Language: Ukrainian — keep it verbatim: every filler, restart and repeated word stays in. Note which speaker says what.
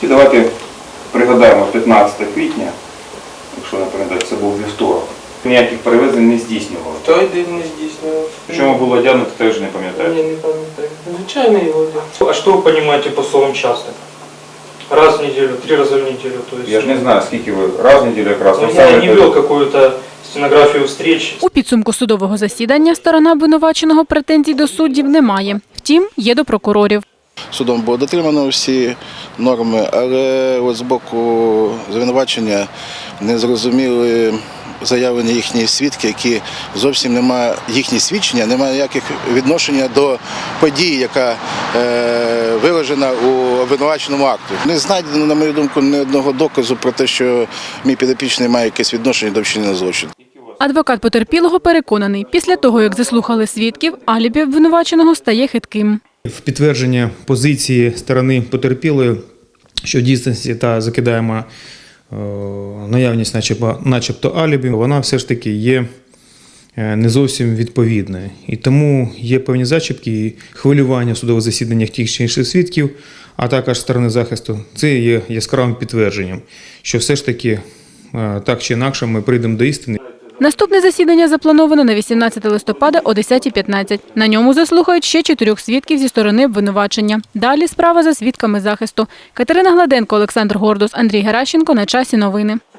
Speaker 1: І давайте пригадаємо п'ятнадцяте квітня, якщо не пам'ятаю, це був вівторок. Ніяких перевезень не здійснювали.
Speaker 2: Той день не здійснював.
Speaker 1: Чому було одягнуто, теж не пам'ятаю.
Speaker 2: Ні, не пам'ятаю. Звичайно його одяг.
Speaker 3: А что вы понимаете по словам часто? Раз в неделю, три раза в неделю, то есть...
Speaker 1: Я ж не знаю, скільки ви раз в неділю якраз.
Speaker 3: Ну, я не вел какую-то стенографію встреч.
Speaker 4: У підсумку судового засідання сторона обвинуваченого претензій до суддів не має. Втім, є до прокурорів.
Speaker 5: Судом було дотримано всі норми, але от з боку звинувачення не зрозуміли заявлені їхні свідки, які зовсім немає, їхні свідчення, немає ніяких відношення до події, яка е, виражена у обвинуваченому акту. Не знайдено, на мою думку, ні одного доказу про те, що мій підопічний має якесь відношення до вчинення злочину.
Speaker 4: Адвокат потерпілого переконаний, після того, як заслухали свідків, алібі обвинуваченого стає хитким.
Speaker 6: В підтвердження позиції сторони потерпілої, що в дійсності та закидаємо наявність начебто алібі, вона все ж таки є не зовсім відповідною. І тому є певні зачіпки і хвилювання в судових засіданнях тих чи інших свідків, а також сторони захисту. Це є яскравим підтвердженням, що все ж таки так чи інакше ми прийдемо до істини.
Speaker 4: Наступне засідання заплановано на вісімнадцяте листопада о десятій п'ятнадцять. На ньому заслухають ще чотирьох свідків зі сторони обвинувачення. Далі справа за свідками захисту. Катерина Гладенко, Олександр Гордус, Андрій Геращенко. На часі новини.